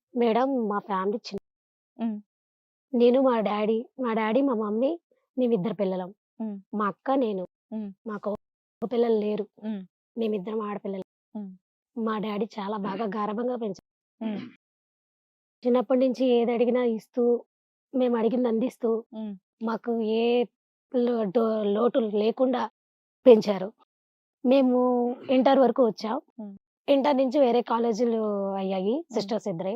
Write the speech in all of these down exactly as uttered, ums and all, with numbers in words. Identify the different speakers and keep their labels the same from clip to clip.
Speaker 1: Madam మా family చిన్న
Speaker 2: హ్మ్.
Speaker 1: నేను, మా డ్యాడీ, మా డ్యాడీ, మా మమ్మీ మేమిద్దరు పిల్లలం.
Speaker 2: హ్మ్.
Speaker 1: మా అక్క, నేను.
Speaker 2: హ్మ్.
Speaker 1: మాకు మగ పిల్లలు లేరు.
Speaker 2: హ్మ్.
Speaker 1: మేమిద్దరం ఆడపిల్లలం.
Speaker 2: హ్మ్.
Speaker 1: మా డ్యాడీ చాలా బాగా గారాబంగా పెంచారు.
Speaker 2: హ్మ్.
Speaker 1: చిన్నప్పటి నుంచి ఏదడిగినా ఇస్తూ, మేమడిగింది అందిస్తూ,
Speaker 2: హ్మ్.
Speaker 1: మాకు ఏ లోటు లోటు లేకుండా పెంచారు. మేము ఇంటర్ వరకు వచ్చాం.
Speaker 2: హ్మ్.
Speaker 1: ఇంటర్ నుంచి వేరే కాలేజీలు అయ్యాయి.
Speaker 2: హ్మ్.
Speaker 1: సిస్టర్స్ ఇద్దరే.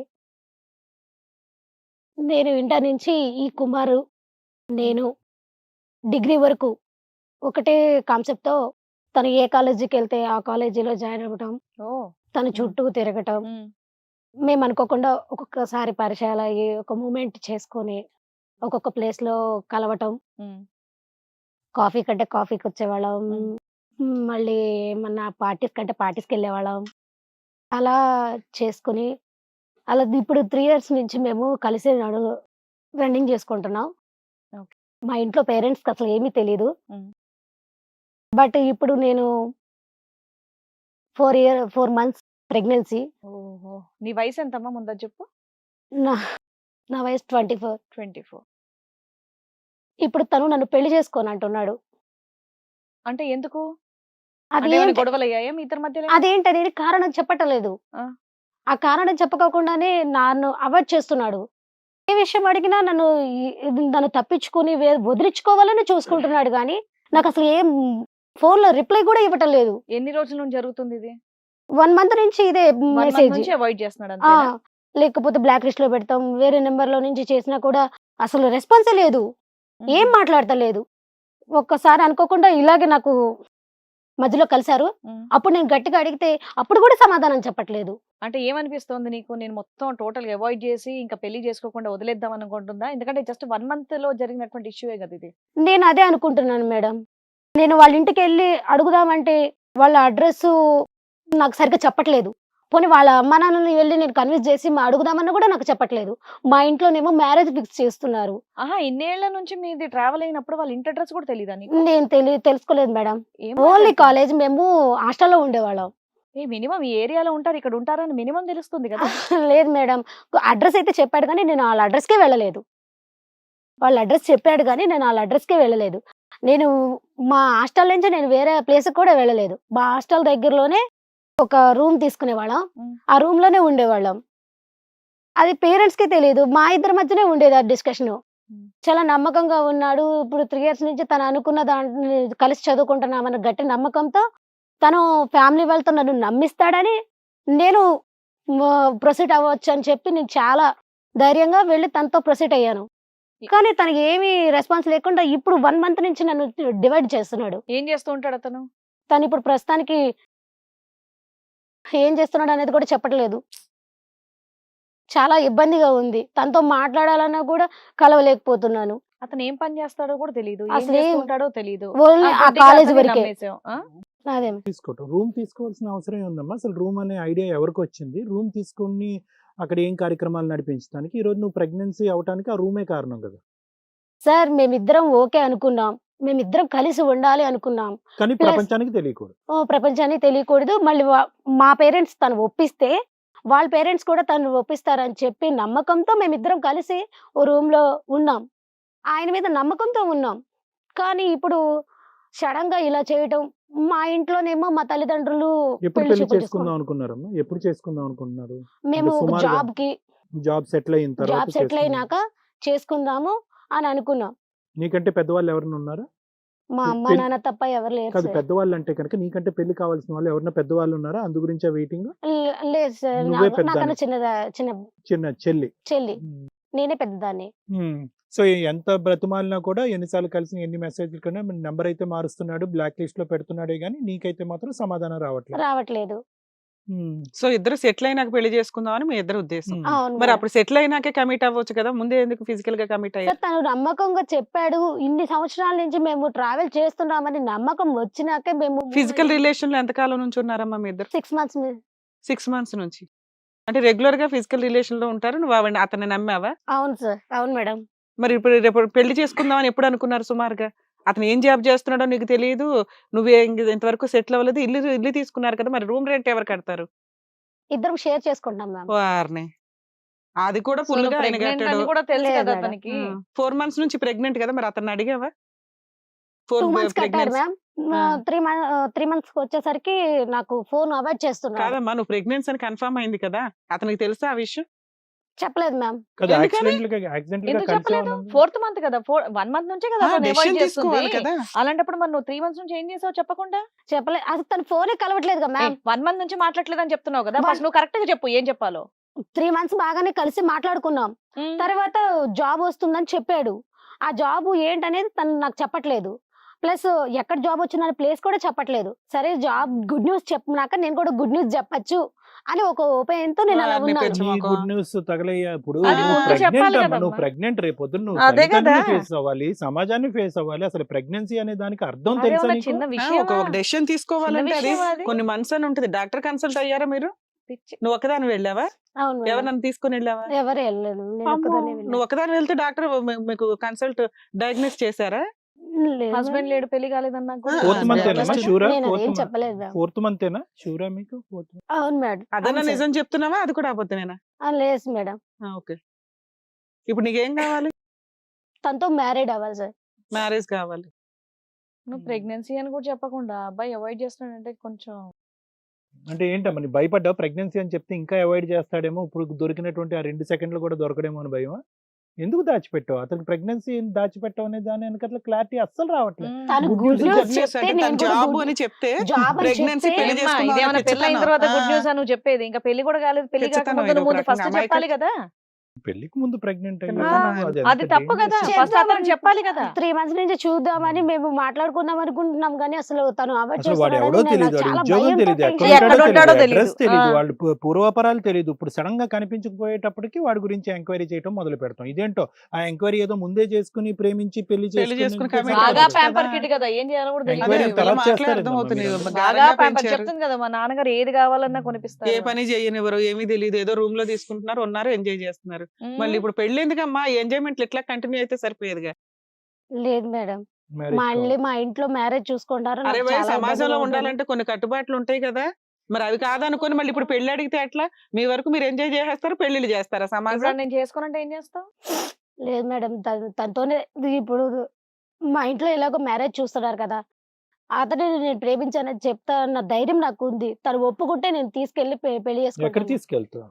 Speaker 1: నేను ఇంటర్ నుంచి ఈ కుమారు,
Speaker 2: హ్మ్.
Speaker 1: నేను డిగ్రీ వరకు ఒకటే కాన్సెప్ట్‌తో తను ఏ కాలేజీకెళ్తే ఆ కాలేజీలో జాయిన్ అవ్వటం,
Speaker 2: ఓహ్!
Speaker 1: తన
Speaker 2: హ్మ్.
Speaker 1: చుట్టూ తిరగటం.
Speaker 2: హ్మ్.
Speaker 1: మేమనుకోకుండా ఒక్కొక్కసారి పరిచయాలయ్యి, ఒక మూవ్‌మెంట్ చేసుకొని, ఒక్కొక్క ప్లేస్‌లో కలవటం.
Speaker 2: హ్మ్.
Speaker 1: కాఫీ కంటే కాఫీకొచ్చేవాళ్ళం.
Speaker 2: హ్మ్.
Speaker 1: హ్మ్. మళ్ళీ ఏమన్నా పార్టీస్ కంటే పార్టీస్‌కెళ్ళేవాళ్ళం. అలా చేసుకొని, అలా ఇప్పుడు మూడు ఇయర్స్ నుంచి మేము కలిసే నడు రన్నింగ్ చేసుకుంటున్నాం.
Speaker 2: ఓకే.
Speaker 1: మా ఇంట్లో పేరెంట్స్‌కి అసలు ఏమీ తెలీదు.
Speaker 2: హ్మ్.
Speaker 1: బట్ ఇప్పుడు నేను నాలుగు ఇయర్ నాలుగు మంత్స్ ప్రెగ్నెన్సీ.
Speaker 2: ఓహో! నీ వయసెంతమ్మా ముందది జెప్పు?
Speaker 1: నా నా వయసు ఇరవై నాలుగు.
Speaker 2: ఇరవై నాలుగు.
Speaker 1: ఇప్పుడు తను నన్ను పెళ్లి చేసుకోనంటున్నాడు.
Speaker 2: అంటే ఎందుకు?
Speaker 1: అది
Speaker 2: అంటే ఏమైనా
Speaker 1: ఏంటి
Speaker 2: గొడవలయ్యాయా మీ ఇద్దరి మధ్యలో?
Speaker 1: అదేంటనేది కారణం చెప్పటం లేదు.
Speaker 2: ఆ!
Speaker 1: ఆ కారణం చెప్పకోకుండానే నన్ను అవాయిడ్ చేస్తున్నాడు. ఏ విషయం అడిగినా నన్ను ఈ ఇది నన్ను తప్పించుకొని వే వదిలించుకోవాలని చూసుకుంటున్నాడు గానీ,
Speaker 2: హ్మ్.
Speaker 1: నాకసలు ఏం ఫోన్‌లో రిప్లై గూడా ఇవ్వటం లేదు.
Speaker 2: ఎన్ని రోజుల నుండి జరుగుతుందిది?
Speaker 1: ఒక మంత్ నుంచి ఇదే
Speaker 2: ఒక మంత్
Speaker 1: మెసేజ్.
Speaker 2: నుంచి అవాయిడ్ చేస్తున్నాడు
Speaker 1: ఆ!
Speaker 2: అంతేనా?
Speaker 1: లేకపోతే బ్లాక్ లిస్ట్‌లో పెడతాం. వేరే నంబర్‌లో నుంచి చేసినా కూడా అసలు రెస్పాన్సే లేదు.
Speaker 2: హుహు.
Speaker 1: ఏం మాట్లాడతలేదు. ఒక్కసారి అనుకోకుండా ఇలాగే నాకు మధ్యలో కలిసారు.
Speaker 2: హ్మ్.
Speaker 1: అప్పుడు నేను గట్టిగా అడిగితే అప్పుడు గూడా సమాధానం చెప్పట్లేదు.
Speaker 2: అంటే ఏమనిపిస్తోంది నీకు? నేను మొత్తం టోటల్‌గా అవాయిడ్ జేసి ఇంకా పెళ్లి జేసుకోకుండా వదిలేద్దాం అనుకుంటుందా? ఎందుకంటే జస్ట్ ఒక మంత్‌లో జరిగినటువంటి ఇష్యూయే గదా! ఇది.
Speaker 1: నేను అదే అనుకుంటున్నాను మేడం. నేను వాళ్ళ ఇంటికెళ్ళి అడుగుదామంటే వాళ్ళ అడ్రెస్సు నాకు సరిగ్గా చెప్పట్లేదు. పోనీ వాళ్ళ అమ్మానాన్నని వెళ్లి నేను కన్విన్స్ చేసి మా అడుగుదామన్నా గూడా నాకు చెప్పట్లేదు. మా ఇంట్లోనేమో మ్యారేజ్ ఫిక్స్ చేస్తున్నారు.
Speaker 2: ఆహా! ఇన్నేళ్ల నుంచి మీది ట్రావెల్ అయినప్పుడు వాళ్ళ ఇంటి అడ్రెస్ కూడా తెలీదా నీకు?
Speaker 1: నేను తెలి తెలుసుకోలేదు మేడం.
Speaker 2: ఏం
Speaker 1: ఓన్లీ
Speaker 2: మాట్లాడుతున్నావు?
Speaker 1: కాలేజ్ మేము హాస్టల్‌లో ఉండేవాళ్ళం.
Speaker 2: ఏ మినిమమ్ ఈ ఏరియాలో ఉంటారు, ఇక్కడ ఉంటారని మినిమమ్ తెలుస్తుంది గదా!
Speaker 1: లేదు మేడం. అడ్రెస్ అయితే చెప్పాడు గానీ నేను ఆళ్ళ అడ్రెస్‌కే వెళ్ళలేదు. వాళ్ళ అడ్రెస్ చెప్పాడు గానీ నేను ఆళ్ళ అడ్రెస్‌కే వెళ్ళలేదు. నేను మా హాస్టల్ నుంచి నేను వేరే ప్లేస్‌కి కూడా వెళ్ళలేదు. మా హాస్టల్ దగ్గరలోనే ఒక రూమ్ తీసుకునేవాళ్ళం.
Speaker 2: హ్మ్.
Speaker 1: ఆ రూమ్‌లోనే ఉండేవాళ్ళం. అది పేరెంట్స్‌కి తెలీదు. మా ఇద్దరి మధ్యనే ఉండేది ఆ డిస్కషను.
Speaker 2: హ్మ్.
Speaker 1: చాలా నమ్మకంగా ఉన్నాడు. ఇప్పుడు మూడు ఇయర్స్ నుంచి తను అనుకున్న దాన్ని కలిసి చదువుకుంటున్నామన్న గట్టి నమ్మకంతో తను ఫ్యామిలీ వాళ్ళతో నన్ను నమ్మిస్తాడని నేను మ ప్రొసీడ్ అవ్వొచ్చని చెప్పి నేను చాలా ధైర్యంగా వెళ్లి తనతో ప్రొసీడ్ అయ్యాను.
Speaker 2: ఎ
Speaker 1: కానీ తనకి ఏమీ రెస్పాన్స్ లేకుండా ఇప్పుడు ఒక మంత్ నుంచి నన్ను డివైడ్ చేస్తున్నాడు.
Speaker 2: ఏం చేస్తూ ఉంటాడతను?
Speaker 1: తనిప్పుడు ప్రస్తుతానికి ఏం చేస్తున్నాడనేది కూడా చెప్పట్లేదు. చాలా ఇబ్బందిగా ఉంది. తనతో మాట్లాడాలన్నా కూడా కలవలేకపోతున్నాను.
Speaker 2: అతను ఏం పని చేస్తాడో కూడా తెలీదు. ఏం చేస్తూ
Speaker 1: అసలేం
Speaker 2: ఉంటాడో తెలీదు. ఆ!
Speaker 1: ఓన్లీ ఆ
Speaker 2: గుడ్డిగా
Speaker 1: కాలేజీ
Speaker 2: అతన్ని
Speaker 1: వరకే.
Speaker 2: నమ్మేసావు. ఆ!
Speaker 1: అదే.
Speaker 3: తీసుకోవటం. రూమ్ తీసుకోవాల్సిన అవసరం ఏముందమ్మా? అసలు రూమ్ అనే ఐడియా ఎవరికొచ్చింది? రూమ్ తీసుకొని అక్కడ ఏం కార్యక్రమాలు నడిపించడానికి? ఈరోజు నువ్వు ప్రెగ్నెన్సీ అవ్వటానికి ఆ రూమే కారణం గదా!
Speaker 1: సార్ మేమిద్దరం ఓకే అనుకున్నాం. మేమిద్దరం కలిసి ఉండాలి అనుకున్నాం.
Speaker 3: కానీ
Speaker 1: ప్లస్
Speaker 3: ప్రపంచానికి తెలియకూడదు.
Speaker 1: ఓహ్! ప్రపంచానికి తెలియకూడదు. మళ్ళీ వ మా పేరెంట్స్ తను ఒప్పిస్తే, వాళ్ళ పేరెంట్స్ కూడా తనను ఒప్పిస్తారని చెప్పి నమ్మకంతో మేమిద్దరం కలిసి ఓ రూమ్‌లో ఉన్నాం. ఆయన మీద నమ్మకంతో ఉన్నాం. కానీ ఇప్పుడు సడెన్‌గా ఇలా చేయటం, మా ఇంట్లోనేమో మా తల్లిదండ్రులు
Speaker 3: ఎప్పుడు
Speaker 1: పెళ్లి
Speaker 3: పెళ్లి
Speaker 1: చూపులు
Speaker 3: చేసుకుందాం
Speaker 1: చూసుకుంటారు.
Speaker 3: అనుకున్నారమ్మా? ఎప్పుడు చేసుకుందాం అనుకుంటున్నారు? అంటే
Speaker 1: మేము ఒక
Speaker 3: సుమారుగా
Speaker 1: జాబ్‌కి
Speaker 3: జాబ్ సెటిల్ అయిన తర్వాత
Speaker 1: జాబ్ సెటిల్
Speaker 3: చేసుకుందాం.
Speaker 1: అయినాక చేసుకుందాము అని అనుకున్నాం.
Speaker 3: నీకంటే పెద్దవాళ్ళు ఎవరైనా ఉన్నారా?
Speaker 1: మా
Speaker 3: పె
Speaker 1: అమ్మ,
Speaker 3: పెళ్
Speaker 1: నాన్న తప్ప ఎవరు లేరు
Speaker 3: కాదు
Speaker 1: సార్.
Speaker 3: పెద్దవాళ్ళంటే గనక నీకంటే పెళ్లి కావాల్సిన వాళ్ళు ఎవరైనా పెద్దవాళ్ళు ఉన్నారా? అందు గురించా వెయిటింగు?
Speaker 1: లే లేదు సార్.
Speaker 3: నువ్వే
Speaker 1: నాకు నాకన్నా
Speaker 3: పెద్దదానివి.
Speaker 1: చిన్నదా చిన్న
Speaker 3: చిన్న చెల్లి.
Speaker 1: చెల్లి.
Speaker 3: హ్మ్.
Speaker 1: నేనే పెద్దదాన్ని.
Speaker 3: హ్మ్. సో, ఎంత బ్రతిమాలినా కూడా ఎన్ని సార్లు కలిసి ఎన్ని మెసేజ్‌లు కన్నా నంబర్ అయితే మారుస్తున్నాడు. బ్లాక్ లిస్ట్‌లో పెడుతున్నాడే గానీ, నీకైతే మాత్రం సమాధానం రావట్లేదు.
Speaker 1: రావట్లేదు.
Speaker 3: హ్మ్.
Speaker 4: సో, ఇద్దరు సెటిల్ అయినాక పెళ్లి చేసుకుందాం అని మీ ఇద్దరి ఉద్దేశం.
Speaker 3: హ్మ్.
Speaker 1: అవును
Speaker 4: మరి
Speaker 1: మేడం.
Speaker 4: అప్పుడు సెటిల్ అయినాకే కమిట్ అవ్వచ్చు కదా! ముందే ఎందుకు ఫిజికల్‌గా కమిట్
Speaker 1: సార్
Speaker 4: అయ్యారు?
Speaker 1: తను నమ్మకంగా చెప్పాడు. ఇన్ని సంవత్సరాల నుంచి మేము ట్రావెల్ చేస్తున్నామని నమ్మకం వచ్చినాకే మేము మూవ్
Speaker 4: ఫిజికల్
Speaker 1: అయ్యాము.
Speaker 4: రిలేషన్‌లో ఎంత కాలం నుంచి ఉన్నారమ్మా మీ ఇద్దరు?
Speaker 1: ఆరు మంత్స్ మీ
Speaker 4: ఆరు మంత్స్ నుంచి. అంటే రెగ్యులర్‌గా ఫిజికల్ రిలేషన్‌లో ఉంటారు. నువ్వు ఆవిడని అతన్ని నమ్మావా?
Speaker 1: అవును సార్. అవును మేడం.
Speaker 4: మరి ఇప్పుడు రేపు పెళ్లి చేసుకుందాం అని ఎప్పుడు అనుకున్నారు సుమారుగా? అతను ఏం జాబ్ చేస్తున్నాడో నీకు తెలీదు. నువ్వే ఇంక ఇంతవరకు సెటిల్ అవ్వలేదు. ఇల్లు ఇల్లు తీసుకున్నారు కదా! మరి రూమ్ రెంట్ ఎవరు కడతారు?
Speaker 1: ఇద్దరం షేర్ చేసుకుంటాం మ్యామ్.
Speaker 4: వారిని! అది కూడా
Speaker 2: సో నువ్వు
Speaker 4: ఫుల్ గా ఆయన
Speaker 2: ప్రెగ్నెంట్
Speaker 4: కట్టాడు
Speaker 2: అని కూడా తెలుసు
Speaker 1: లేదు
Speaker 2: కదా
Speaker 1: మేడం.
Speaker 2: అతనికి.
Speaker 4: ఫోర్ మంత్స్ నుంచి ప్రెగ్నెంట్ కదా మరి అతన్ని అడిగావా ఫోర్
Speaker 1: టూ మంత్స్ కట్టాడు
Speaker 4: pregnancy
Speaker 1: ma'am. Three month three months వచ్చేసరికి నాకు ఫోన్ అవాయిడ్ చేస్తున్నాడు.
Speaker 4: కాదమ్మా నువ్వు ప్రెగ్నెన్సీ అని కన్ఫర్మ్ అయింది కదా అతనికి తెలుసా ఆ విషయం
Speaker 1: చెప్పలేదు మ్యామ్.
Speaker 3: కదా
Speaker 4: ఎందుకని?
Speaker 3: యాక్సిడెంట్ గా యాక్సిడెంట్ గా
Speaker 2: ఎందుకు
Speaker 3: కలిసే
Speaker 2: చెప్పలేదు?
Speaker 3: ఉన్నది.
Speaker 2: ఫోర్త్ మంత్ కదా, ఫోర్ వన్ మంత్ నుంచే కదా అతను
Speaker 4: డెసిషన్
Speaker 2: అవాయిడ్ చేస్తుంది.
Speaker 4: తీసుకోవాలి కదా
Speaker 2: అలాంటప్పుడు మరి నువ్వు త్రీ మంత్స్ నుంచి ఏం చేసావు చెప్పకుండా?
Speaker 1: చెప్పలేదు, అసలు తన ఫోనే కలవట్లేదు కదా మ్యామ్.
Speaker 2: వన్ మంత్ నుంచి మాట్లాడలేదు అని చెప్తున్నావు కదా,
Speaker 1: One-
Speaker 2: ఫస్ట్ నువ్వు కరెక్ట్ గా చెప్పు ఏం చెప్పాలో.
Speaker 1: త్రీ మంత్స్ బాగానే కలిసి మాట్లాడుకున్నాం.
Speaker 2: ఉమ్.
Speaker 1: తర్వాత జాబ్ వస్తుందని చెప్పాడు. ఆ జాబ్ ఏంటనేది తను నాకు చెప్పట్లేదు. ప్లస్ ఎక్కడ జాబ్ వచ్చిన ప్లేస్ కూడా చెప్పట్లేదు. సరే జాబ్ గుడ్ న్యూస్ చెప్పినాక నేను కూడా గుడ్ న్యూస్ చెప్పచ్చు అని ఒక ఓపెన్ తో నేను అలా
Speaker 4: వాడిని
Speaker 1: ఉన్నాను.
Speaker 4: పెంచు.
Speaker 3: నీ గుడ్ న్యూస్ తగలయ్యా ఇప్పుడు
Speaker 2: అది
Speaker 3: నువ్వు
Speaker 2: ముందు చెప్పాలి
Speaker 3: ప్రెగ్నెంట్ అమ్మా
Speaker 2: కదమ్మా.
Speaker 3: నువ్వు ప్రెగ్నెంట్ రేపు పొద్దున్న నువ్వు
Speaker 2: అదే కదా.
Speaker 3: ఫేస్ అవ్వాలి, సమాజాన్ని ఫేస్ అవ్వాలి. అసలు ప్రెగ్నెన్సీ అనే దానికి అర్థం
Speaker 2: అదే
Speaker 3: తెలుసా
Speaker 2: ఉన్న
Speaker 3: నీకు?
Speaker 2: చిన్న
Speaker 4: ఆ,
Speaker 2: విషయం
Speaker 4: ఒక ఒక డెసిషన్ తీసుకోవాలంటే అది
Speaker 2: విషయమా అది?
Speaker 4: కొన్ని మంత్స్ అని ఉంటుంది. డాక్టర్ కన్సల్ట్ అయ్యారా మీరు? నువ్వు ఒకదాని వెళ్ళావా?
Speaker 1: అవును మేడం.
Speaker 4: ఎవరు నన్ను తీసుకుని వెళ్ళావా?
Speaker 1: ఎవరు వెళ్ళలేదు, నేను
Speaker 4: అమ్మో,
Speaker 1: ఒక్కదాన్నే వెళ్ళాను.
Speaker 4: నువ్వు ఒకదాని వెళ్తే డాక్టర్ మీకు కన్సల్ట్ డయాగ్నోస్ చేశారా?
Speaker 1: లేదు
Speaker 2: హస్బెండ్
Speaker 1: మేడం.
Speaker 2: లేడు పెళ్లి కాలేదన్నా కూడా.
Speaker 3: ఫోర్త్
Speaker 4: ఆ,
Speaker 3: మంత్
Speaker 4: just-
Speaker 3: ఏనమ్మా షూరా?
Speaker 1: నేను
Speaker 3: ఫోర్త్
Speaker 1: అదేం చెప్పలేదు మేడం.
Speaker 3: ఫోర్త్ మంత్ ఏనా షూరా మీకు? ఫోర్త్
Speaker 1: అవును మేడం.
Speaker 4: అదన్నా
Speaker 1: అవును సార్.
Speaker 4: నిజం చెప్తున్నావా అది కూడా అబద్ధమేనా?
Speaker 1: ఆ, లేదు మేడం.
Speaker 4: ఓకే ఇప్పుడు నీకేం కావాలి?
Speaker 1: తనతో మ్యారీడ్ అవ్వాలి సార్.
Speaker 4: మ్యారేజ్ కావాలి.
Speaker 2: నువ్వు ప్రెగ్నెన్సీ అని కూడా చెప్పకుండా అబ్బాయి అవాయిడ్ చేస్తున్నాడంటే కొంచెం
Speaker 3: అంటే ఏంటమ్మా నీ భయపడ్డావు? ప్రెగ్నెన్సీ అని చెప్తే ఇంకా అవాయిడ్ చేస్తాడేమో, ఇప్పుడు దొరికినటువంటి ఆ రెండు సెకండ్లు కూడా దొరకడేమో అని భయమా? ఎందుకు దాచిపెట్టావు? అతనికి ప్రెగ్నెన్సీ దాచిపెట్టావు అనే దాని వెనకాల క్లారిటీ అస్సలు రావట్లేదు.
Speaker 1: తను
Speaker 3: Good
Speaker 1: good
Speaker 3: news
Speaker 1: news
Speaker 4: Good news
Speaker 1: చెప్తే
Speaker 4: అంటే
Speaker 1: నేను
Speaker 4: తను
Speaker 1: కూడా
Speaker 4: జాబ్
Speaker 1: good-
Speaker 4: అని చెప్తే
Speaker 1: జాబ్ అని
Speaker 4: ప్రెగ్నెన్సీ
Speaker 1: చెప్తే
Speaker 4: పెళ్లి
Speaker 2: ఏమ్మా,
Speaker 4: చేసుకున్నావు
Speaker 2: ఇదేమన్నా
Speaker 4: అంటే
Speaker 2: పెళ్లి అయిన
Speaker 4: పిచ్చితనం.
Speaker 2: తర్వాత గుడ్
Speaker 4: ఆ.
Speaker 2: న్యూస్ అని నువ్వు చెప్పేది, ఇంకా పెళ్లి కూడా కాలేదు, పెళ్లి
Speaker 4: పిచ్చితనం
Speaker 2: కాకముందు
Speaker 4: ఇది
Speaker 2: నువ్వు
Speaker 4: ఒక
Speaker 2: ముందు ఫస్ట్
Speaker 4: రకంగా.
Speaker 2: చెప్పాలి కదా.
Speaker 3: పెళ్లికి ముందు ప్రెగ్నెంట్
Speaker 4: ఆ,
Speaker 2: అది తప్పు కదా, ఫస్ట్ అతను చెప్పాలి కదా.
Speaker 1: త్రీ మంత్స్ నుంచి చూద్దామని మేము మాట్లాడుకుందాం అనుకుంటున్నాం కానీ అసలు తను అవాయిడ్
Speaker 3: అసలు వాడు ఎవడో
Speaker 1: చేస్తున్నాడని
Speaker 3: తెలియదు,
Speaker 1: నేను
Speaker 3: వాడి
Speaker 1: చాలా
Speaker 3: ఉద్యోగం
Speaker 1: భయంతో
Speaker 3: తెలియదు,
Speaker 1: tension
Speaker 3: ఎక్కడ
Speaker 2: ఎక్కడ
Speaker 3: ఉంటాడో
Speaker 2: ఉంటాడో
Speaker 3: తెలియదు,
Speaker 2: తెలీదు.
Speaker 3: అడ్రస్ తెలియదు,
Speaker 2: ఆ.
Speaker 3: వాళ్ళు పు- పూర్వాపరాలు తెలియదు. ఇప్పుడు సడన్ గా కనిపించకపోయేటప్పటికి వాడి గురించి ఎంక్వైరీ చేయడం మొదలు పెడతాం. ఇదేంటో ఆ ఎంక్వైరీ ఏదో ముందే చేసుకుని ప్రేమించి పెళ్లి
Speaker 4: పెళ్లి చేసుకుని commit
Speaker 2: బాగా
Speaker 4: అవ్వచ్చు
Speaker 2: ప్యాంపర్
Speaker 4: కదా.
Speaker 2: కిట్ కదా, ఏం చేయాలో కూడా
Speaker 4: అదే
Speaker 2: తెలియదు.
Speaker 3: Enquiry
Speaker 4: వీళ్ళ
Speaker 3: తర్వాత
Speaker 4: మాటలే
Speaker 3: చేస్తారేమో
Speaker 4: అర్థమవుతుంది.
Speaker 3: మీరు.
Speaker 2: బాగా
Speaker 4: గారంగా
Speaker 2: ప్యాంపర్
Speaker 4: పెంచారు.
Speaker 2: చెప్తుంది కదా, మా నాన్నగారు ఏది కావాలన్నా కొనిపిస్తారు.
Speaker 4: ఏ పని చేయనివ్వరు, ఏమీ తెలియదు, ఏదో రూమ్ లో తీసుకుంటున్నారు, ఉన్నారు, ఎంజాయ్ చేస్తున్నారు.
Speaker 2: ఉమ్.
Speaker 4: మళ్ళీ ఇప్పుడు పెళ్లి ఎందుకమ్మా? ఎంజాయ్మెంట్ ఇట్లా కంటిన్యూ అయితే సరిపోయేదిగా.
Speaker 1: లేదు మేడం. మళ్ళీ మా ఇంట్లో మ్యారేజ్ చూసుకుంటారు.
Speaker 4: అరే
Speaker 1: నాకు
Speaker 4: భయ్,
Speaker 1: చాలా
Speaker 4: సమాజంలో
Speaker 1: ఇబ్బందిగా ఉంటుంది.
Speaker 4: ఉండాలంటే కొన్ని కట్టుబాట్లు ఉంటాయి కదా, మరి అవి కాదనుకొని మళ్ళీ ఇప్పుడు పెళ్లి అడిగితే ఎట్లా? మీ వరకు మీరు ఎంజాయ్ చేసేస్తారు, పెళ్లిళ్ళు చేస్తారా
Speaker 2: ఇప్పుడు
Speaker 4: సమాజం?
Speaker 2: నేను చేసుకోనంటే ఏం చేస్తావు?
Speaker 1: లేదు మేడం, తన- తనతోనే ఇప్పుడు మా ఇంట్లో ఎలాగో మ్యారేజ్ చూస్తున్నారు కదా, అతనే నేను ప్రేమించానని చెప్తా అన్న ధైర్యం నాకు ఉంది. తను ఒప్పుకుంటే నేను తీసుకెళ్లి పె- పెళ్లి
Speaker 3: ఎక్కడ
Speaker 1: చేసుకుంటాను.
Speaker 3: తీసుకెళ్తావు?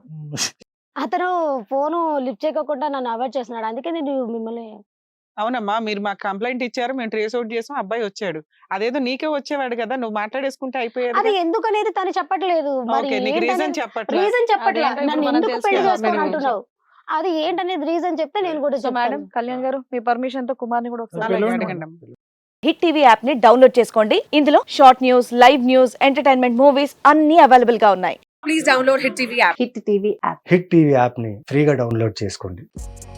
Speaker 1: అతను ఫోను లిఫ్ట్ చేయకుండా నన్ను అవాయిడ్ చేస్తున్నాడు. అందుకే నేను మిమ్మల్ని
Speaker 4: అవునమ్మా, మీరు మాకు కంప్లైంట్ ఇచ్చారు, మేము ట్రేస్ అవుట్ చేసాం, అబ్బాయి వచ్చాడు. అదేదో నీకే వచ్చేవాడు కదా, నువ్వు మాట్లాడేసుకుంటే అయిపోయేది.
Speaker 1: అది ఎందుకనేది తను చెప్పట్లేదు. మరి
Speaker 4: ఓకే, నీకు రీజన్ చెప్పట్లా.
Speaker 1: రీజన్ చెప్పట్లేదు.
Speaker 2: అదేంటో ఇప్పుడు
Speaker 1: నన్ను
Speaker 2: మనం
Speaker 1: ఎందుకు పెళ్లి
Speaker 2: తెలుసుకోవాలి.
Speaker 1: చేసుకోని
Speaker 2: మీరు
Speaker 1: అంటున్నావు? అది ఏంటనేది రీజన్ చెప్తే నేను కూడా
Speaker 2: సో మేడం,
Speaker 1: చెప్తాను.
Speaker 2: కళ్యాణ్ గారు మీ పర్మిషన్ తో కుమార్ని కూడా ఒకసారి
Speaker 4: అలాగే
Speaker 3: పిలవండి.
Speaker 4: అడగండి అమ్మా.
Speaker 5: హిట్ టీవీ యాప్ ని డౌన్లోడ్ చేసుకోండి. ఇందులో short news, live news, entertainment movies అన్ని అవైలబుల్ గా ఉన్నాయి.
Speaker 6: Hit TV app
Speaker 7: hit TV యాప్ని ఫ్రీగా డౌన్లోడ్ చేసుకోండి.